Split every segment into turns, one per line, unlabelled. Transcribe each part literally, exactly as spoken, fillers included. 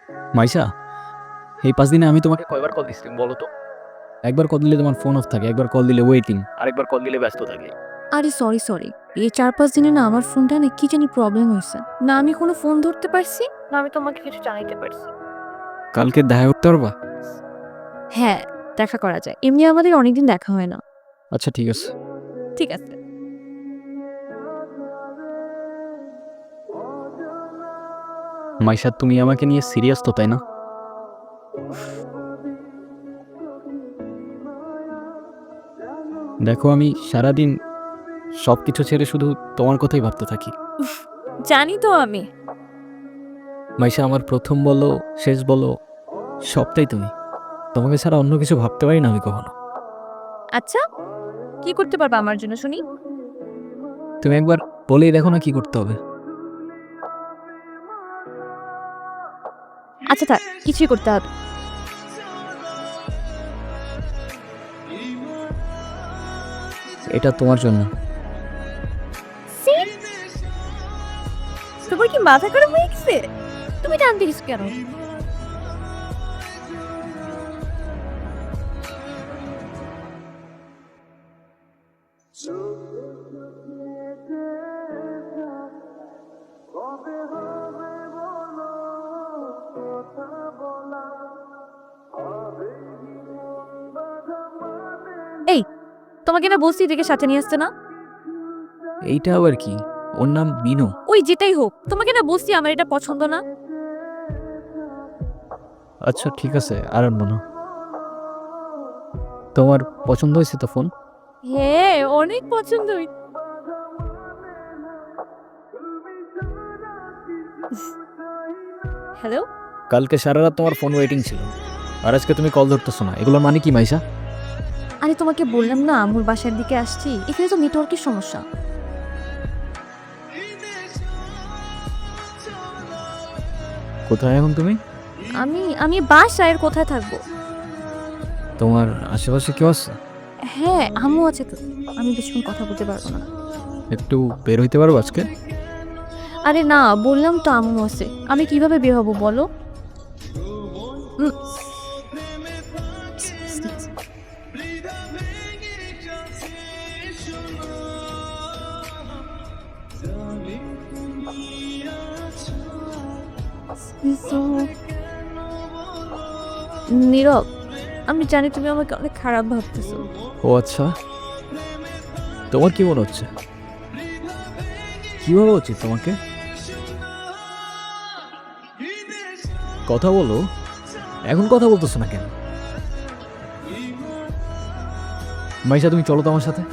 মাইশা, এই পাঁচ দিনে আমি তোমাকে কয়বার কল দিচ্ছি বলো তো? একবার কল দিলে তোমার ফোন অফ থাকে, একবার কল দিলে ওয়েটিং, আরেকবার কল দিলে ব্যস্ত থাকে।
আরে সরি সরি এই চার পাঁচ দিনে না আমার ফোনটা না কি জানি প্রবলেম হয়েছে। না আমি কোনো ফোন ধরতে পারছি, না আমি তোমাকে কিছু জানাইতে পারছি।
কালকে দেখা করতে পারবা?
হ্যাঁ, দেখা করা যায়। এমনি আমাদের অনেকদিন দেখা হয় না।
আচ্ছা ঠিক আছে।
ঠিক আছে।
মাইশা, তুমি আমাকে নিয়ে সিরিয়াস তো, তাই না? দেখো, আমি সারাদিন সব কিছু ছেড়ে শুধু তোমার কথাই ভাবতে থাকি।
জানি তো আমি।
মাইশা, আমার প্রথম বলো, শেষ বলো, সবটাই তুমি। তোমাকে ছাড়া অন্য কিছু ভাবতে পারি না আমি কখনো।
আচ্ছা, কি করতে পারবা আমার জন্য শুনি?
তুমি একবার বলেই দেখো না কি করতে হবে।
আচ্ছা থাক, কিছুই করতে হবে।
এটা তোমার জন্য।
See? তোমার কি মাথা খারাপ হয়ে গেছে? তুমি টানতে গেছো কেন? এই, তোমাকে না বলছি এদিকে সাথে নিয়ে আসতে না?
এইটা আবার কি? ওর নাম মিনু।
ওই যেটাই হোক, তোমাকে না বলছি আমার এটা পছন্দ না।
আচ্ছা ঠিক আছে, আর আনবো না। তোমার পছন্দ হয়েছে তো ফোন?
হ্যাঁ, অনেক পছন্দ হই- হ্যালো।
কালকে সারা রাত তোমার ফোন ওয়েটিং ছিল, আর আজকে তুমি কল ধরতেছো না, এগুলোর মানে কি মাইশা?
আরে তোমাকে বললাম না আমুর বাসার দিকে আসছি, এখানে তো নেটওয়ার্কের সমস্যা।
কোথায় এখন তুমি?
আমি আমি বাসায় আর কোথায় থাকবো?
তোমার আশেপাশে কেউ আছে?
হ্যাঁ, আম্মু আছে তো। আমি বেশিক্ষণ কথা বলতে পারবো না।
একটু বের হইতে পারবো আজকে?
আরে না, বললাম তো আম্মু আছে। আমি কিভাবে বের হবো বলো? উম, নীরব, আমি জানি তুমি আমাকে অনেক খারাপ ভাবতেছো।
ও আচ্ছা, তোমার কি মনে হচ্ছে? কি ভাবা উচিত তোমাকে? কথা বলো। এখন কথা বলতেছো না কেন? মাইশা, তুমি চলো তো আমার সাথে।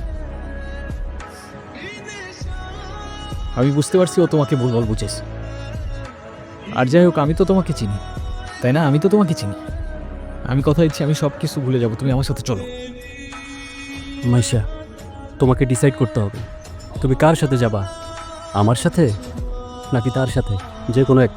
আমি বুঝতে পারছি ও তোমাকে ভুলভাল বুঝেছে। আর যাই হোক, আমি তো তোমাকে চিনি, তাই না? আমি তো তোমাকে চিনি। আমি কথা দিচ্ছি, আমি সব কিছু ভুলে যাবো, তুমি আমার সাথে চলো।
মাইশা, তোমাকে ডিসাইড করতে হবে তুমি কার সাথে যাবা, আমার সাথে নাকি তার সাথে, যে কোনো একটা।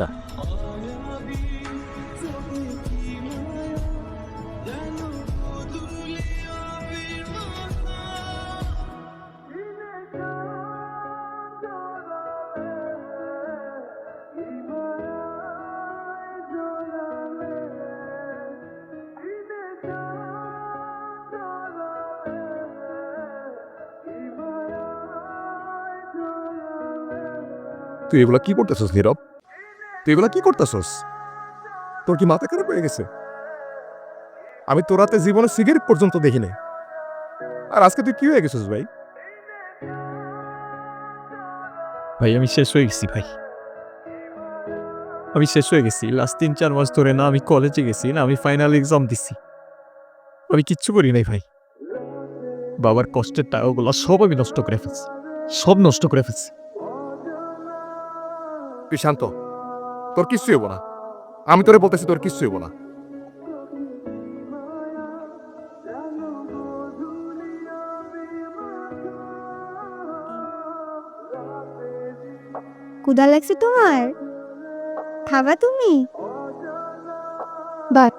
তুই এগুলা কি করতেছস নীরব? তুই এগুলা কি করতেছস? তোর কি মাথা খারাপ হয়ে গেছে? আমি তোর রাতে জীবনে সিগারেট পর্যন্ত দেখি নাই, আর আজকে তুই কি হয়ে গেছিস ভাই?
ভাই আমি শেষ হয়ে গেছি ভাই, আমি শেষ হয়ে গেছি। লাস্ট তিন চার মাস ধরে না আমি কলেজে গেছি, না আমি ফাইনাল এক্সাম দিছি, আমি কিচ্ছু করি নাই ভাই। বাবার কষ্টের টাকাগুলো সব আমি নষ্ট করে ফেলছি, সব নষ্ট করে ফেলছি।
তুই শান্ত, তোর কিচ্ছু হইব না। আমি তোরে বলতেছি তোর কিচ্ছু হইব না।
ক্ষুধা লাগছে তোমার? খাবা তুমি? বাহ,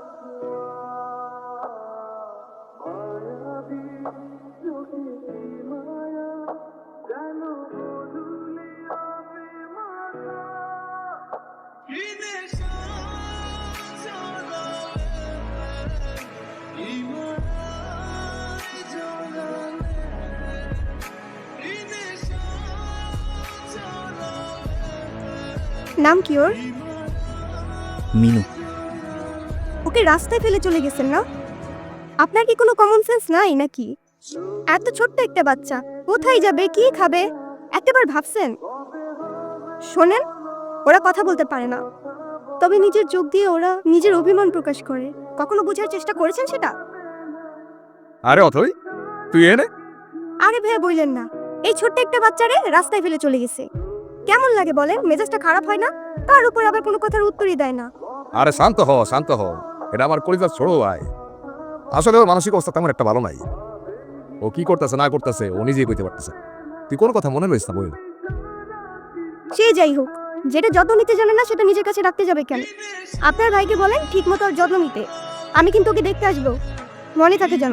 নাম কি ওর?
মিনু।
ওকে রাস্তায় ফেলে চলে গেছেন না? আপনার কি কোনো কমন সেন্স নাই নাকি? এত ছোট্ট একটা বাচ্চা কোথায় যাবে, কি খাবে, একটাবার ভাবছেন? শোনেন, ওরা কথা বলতে পারে না, তবে নিজের চোখ দিয়ে ওরা নিজের অভিমান প্রকাশ করে। কখনো বোঝার চেষ্টা করেছেন সেটা?
আরে অথই, তুই এনে
আরে ভাইয়া বললেন না, এই ছোট্ট একটা বাচ্চারে রাস্তায় ফেলে চলে গেছে। কেমন লাগে বলেন? মেজাজটা খারাপ হয় না? তার উপর আবার কোনো কথার উত্তরই দেয় না।
আরে শান্ত হ শান্ত হ, এটা আমার কলিজার ছোড়ো ভাই। আসলে ওর মানসিক অবস্থা তেমন একটা ভালো নাই। ও কি করতেছে না করতেছে ও নিজেই কইতে পারতেছে। তুই কোনো কথা মনে রইস না বই।
সে যাই হোক, যেটা যত্ন নিতে জানে না সেটা নিজের কাছে রাখতে যাবে কেন? আপনার ভাইকে বলেন ঠিক মতো ওর যত্ন নিতে। আমি কিন্তু ওকে দেখতে আসবো, মনে থাকে যেন।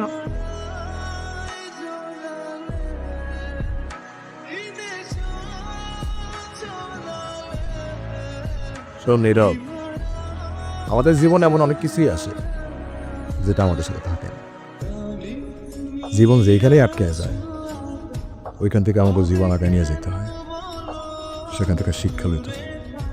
শোন নীরব, আমাদের জীবনে এমন অনেক কিছুই আসে যেটা আমাদের সাথে থাকে না। জীবন যেখানেই আটকে যায় ওইখান থেকে আমাকে জীবন আগে নিয়ে যেতে হয়, সেখান থেকে শিক্ষা লইতে হয়।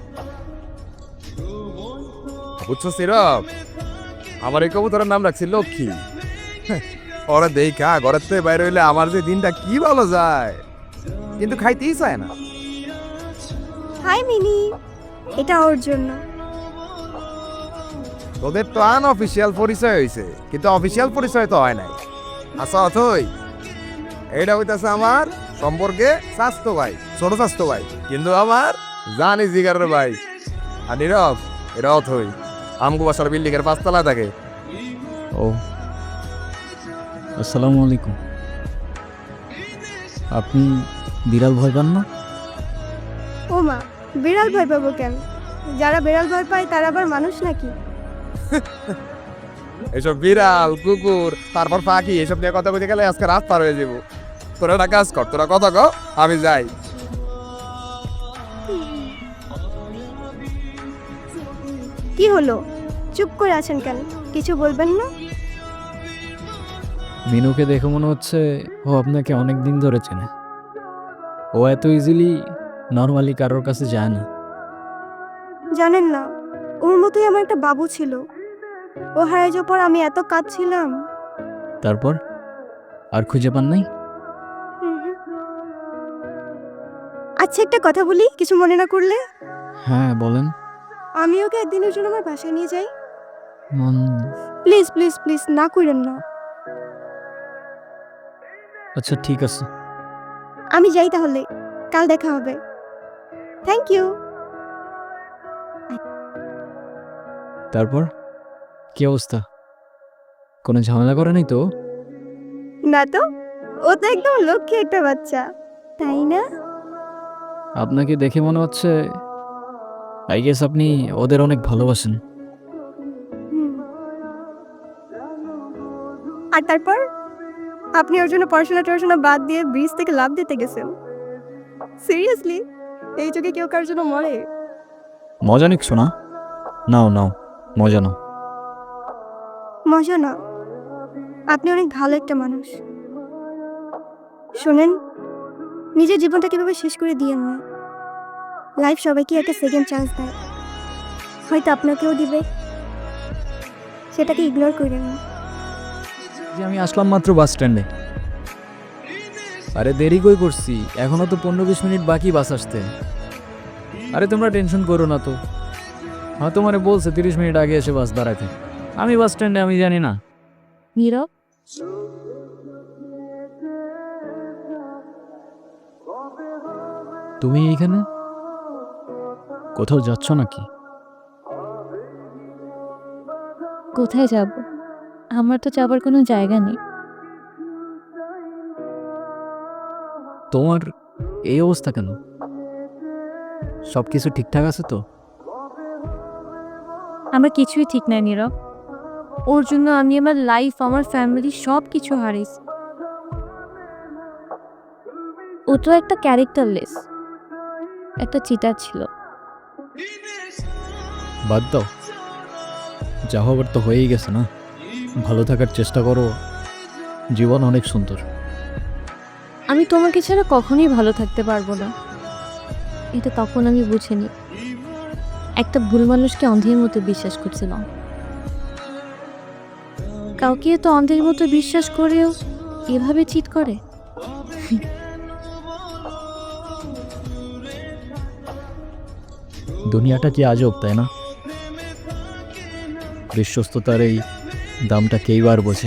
বুঝছো নীরব, আমার এই কবুতরের নাম রাখছি লক্ষ্মী। ওরা দেখা ঘরের থেকে বাইরে হইলে আমার যে দিনটা কি ভালো যায়, কিন্তু খাইতেই চায় না।
হাই মিনি, এটা ওর জন্য।
তোদের তো আনঅফিসিয়াল পরিচয় হয়েছে, কিন্তু অফিসিয়াল পরিচয় তো হয় নাই। আচ্ছা অথই, এইটা হইতাছে আমার সম্পর্কে স্বাস্থ্য ভাই, ছোট স্বাস্থ্য ভাই, কিন্তু আমার জানি জিগারের ভাই। আর নীরব, এটা অথই আমগো বাসার বিল্ডিং এর পাঁচতলা থাকে।
ও, আসসালামু আলাইকুম। আপনি বিড়াল ভয় পান না?
ও মা, বিড়াল ভয় পাবো কেন? যারা বিড়াল ভয় পায় তারা আবার মানুষ নাকি?
এসব বিড়াল কুকুর তারপর পাখি এসব নিয়ে কথা কইতে গেলে আজকে রাত পার হয়ে যাবো। তোরা একটা কাজ কর, তোরা কথা কও, আমি যাই।
কি হলো, চুপ করে আছেন কেন? কিছু বলবেন না?
মিনুকে দেখে মনে হচ্ছে ও আপনাকে অনেক দিন ধরে চেনে। ও এত ইজিলি নর্মালি কারোর কাছে যায় না।
জানেন না, ওর মতোই আমার একটা বাবু ছিল। ও হারিয়ে যাওয়ার পর আমি এত কাঁদছিলাম।
তারপর আর খুঁজে পান নাই?
হুম হুম। আচ্ছা একটা কথা বলি, কিছু মনে না করলে?
হ্যাঁ বলেন।
আমি ওকে একদিনের জন্য আমার বাসায় নিয়ে যাই।
উম,
প্লিজ প্লিজ প্লিজ, না করেন না।
আচ্ছা ঠিক আছে।
আমি যাই তাহলে, কাল দেখা হবে। Thank you.
তারপর কি অবস্থা? কোনো ঝামেলা করে নাই তো?
না তো, ও তো একদম লক্ষ্মী একটা বাচ্চা, তাই না?
আপনাকে দেখে মনে হচ্ছে আই গেস আপনি ওদের অনেক ভালোবাসেন।
হুম। আর তারপর আপনি ওর জন্য পড়াশোনা টড়াশোনা বাদ দিয়ে ব্রিজ থেকে লাফ দিতে গেছেন? সিরিয়াসলি? এই যুগে কেউ কার জন্য মরে?
মজা নিক শোনা। নাও নাও, মজা নাও।
মজা না, আপনি অনেক ভালো একটা মানুষ। শোনেন, নিজের জীবনটা কিভাবে শেষ করে দিয়েন না। লাইফ সবাইকে একটা সেকেন্ড চান্স দেয়, হয়তো আপনাকেও দিবে, সেটাকে ইগনোর করেন না।
যে আমি আসলাম মাত্র বাস স্ট্যান্ডে। আরে দেরি কই করছি, এখনো তো পনেরো বিশ মিনিট বাকি বাস আসতে। আরে তোমরা টেনশন করো না তো। হ্যাঁ তোমারে বলছে তিরিশ মিনিট আগে এসে বাস দাঁড়াইতে। আমি বাস স্ট্যান্ডে, আমি জানি না।
নীরব,
তুমি এইখানে কোথাও যাচ্ছ নাকি?
কোথায় যাব? আমার তো যাবার কোনো জায়গা নেই।
তোমার এই অবস্থা কেন? সব কিছু ঠিকঠাক আছে তো?
আমার কিছুই ঠিক নাই নীরব। ওর জন্য আমি আমার লাইফ, আমার ফ্যামিলি সব কিছু হারিয়েছি। ও তো একটা ক্যারেক্টারলেস, একটা চিটার ছিল।
বাদ দাও, যা হবার তো হয়েই গেছে না। ভালো থাকার চেষ্টা করো, জীবন অনেক সুন্দর।
আমি তোমাকে ছাড়া কখনোই ভালো থাকতে পারবো না, এটা তখন আমি বুঝিনি। একটা ভুল মানুষকে অন্ধের মতো বিশ্বাস করছিলাম। কাউকে তো অন্ধের মতো বিশ্বাস করেও এভাবে চিট করে।
দুনিয়াটা কি আজব, তাই না? বিশ্বস্ততার এই দামটা কেই বার বোঝে।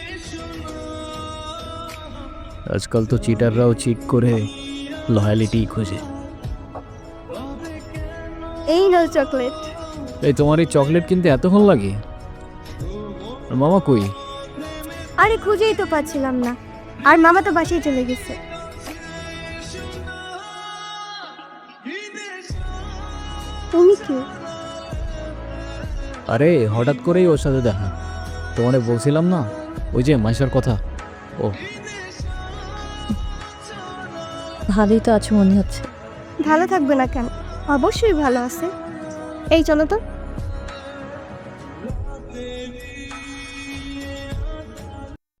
আজকাল তো চিটাররাও চিট করে লয়ালিটি খোঁজে।
এই নাও চকলেট।
এই তোমার এই চকলেট কিনতে এতক্ষণ লাগে? আর মামা কই?
আরে খুঁজেই তো পাচ্ছিলাম না, আর মামা তো বাসায় চলে গেছে। তুমি কি?
আরে হঠাৎ করেই ওর সাথে দেখা। তোমারে বলছিলাম না ওই যে মাইশার কথা। ও
ভালোই তো আছো মনে হচ্ছে।
ভালো থাকবে না কেন? অবশ্যই ভালো আছে। এই চলো তো।